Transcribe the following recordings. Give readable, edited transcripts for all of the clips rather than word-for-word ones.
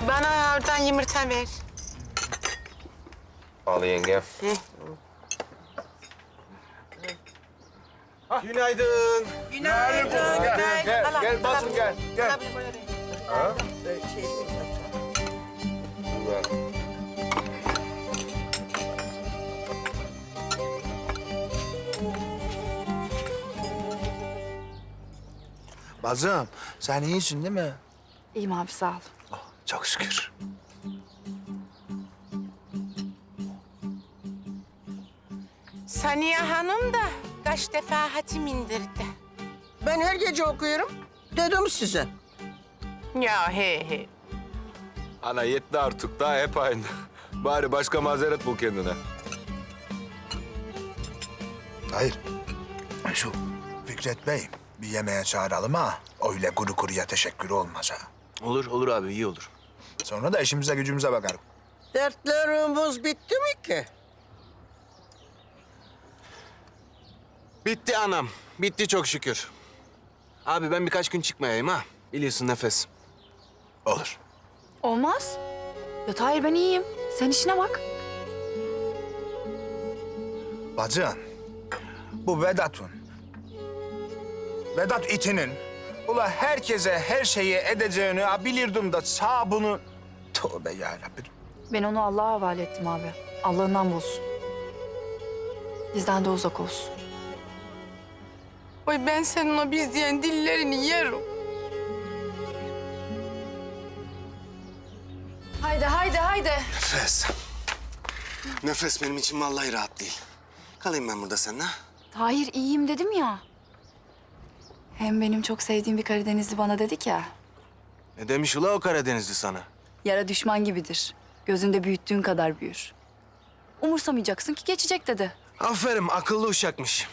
Bana oradan yumurta ver. Al yenge. Günaydın. Günaydın. Gel basın gel. Gel. Ha? Güzel. Bazım, sen iyisin değil mi? İyiyim abi sağ ol. Oh, çok şükür. Saniye Hanım da kaç defa hatim indirdi. Ben her gece okuyorum. Dedim size. Ya he. Ana yetti artık daha hep aynı. Bari başka mazeret bul kendine. Hayır. Şu Fikret Bey, bir yemeğe çağıralım ha. Öyle kuru kuruya teşekkür olmaz ha. Olur abi iyi olur. Sonra da işimize gücümüze bakarım. Dertlerimiz bitti mi ki? Bitti anam. Bitti çok şükür. Abi ben birkaç gün çıkmayayım ha. Biliyorsun nefes. Olur. Olmaz. Ya Tahir ben iyiyim. Sen işine bak. Bacım, bu Vedat itinin ula herkese her şeyi edeceğini bilirdim da sağ bunu... Tövbe yarabbim. Ben onu Allah'a havale ettim abi. Allah'ından bulsun. Bizden de uzak olsun. Oy ben senin o biz diyen dillerini yerim. Haydi. Nefes. Nefes benim için vallahi rahat değil. Kalayım ben burada seninle. Tahir iyiyim dedim ya. Hem benim çok sevdiğim bir Karadenizli bana dedi ki... Ne demiş ula o Karadenizli sana? Yara düşman gibidir. Gözünde büyüttüğün kadar büyür. Umursamayacaksın ki geçecek dedi. Aferin akıllı uşakmış.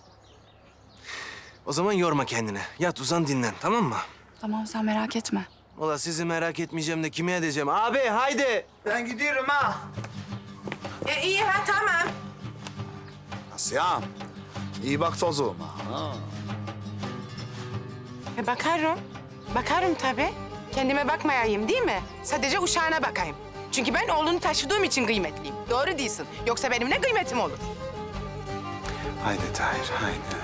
O zaman yorma kendini. Yat uzan dinlen tamam mı? Tamam sen merak etme. Ula sizi merak etmeyeceğim de kime edeceğim? Abi haydi. Ben gidiyorum ha. İyi ha tamam. Asya'm, iyi bak tozuğuma. Ha. Bakarım. Bakarım tabii. Kendime bakmayayım değil mi? Sadece uşağına bakayım. Çünkü ben oğlunu taşıdığım için kıymetliyim. Doğru değilsin. Yoksa benim ne kıymetim olur? Haydi Tahir haydi.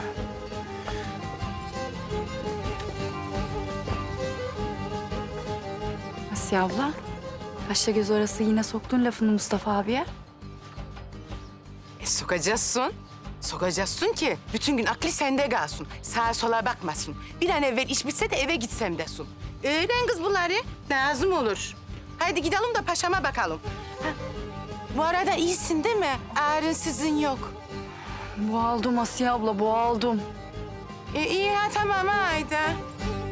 Asiye abla, kaşla göz arası yine soktun lafını Mustafa abiye. Sokacaksın. Sokacaksın ki bütün gün aklı sende kalsın. Sağa sola bakmasın. Bir an evvel iş bitse de eve gitsem desin. Öğren kız bunları. Lazım olur. Haydi gidelim de paşama bakalım. Ha, bu arada iyisin değil mi? Ağrınsızın yok. Boğaldım Asiye abla, boğaldım. İyi ha tamam haydi.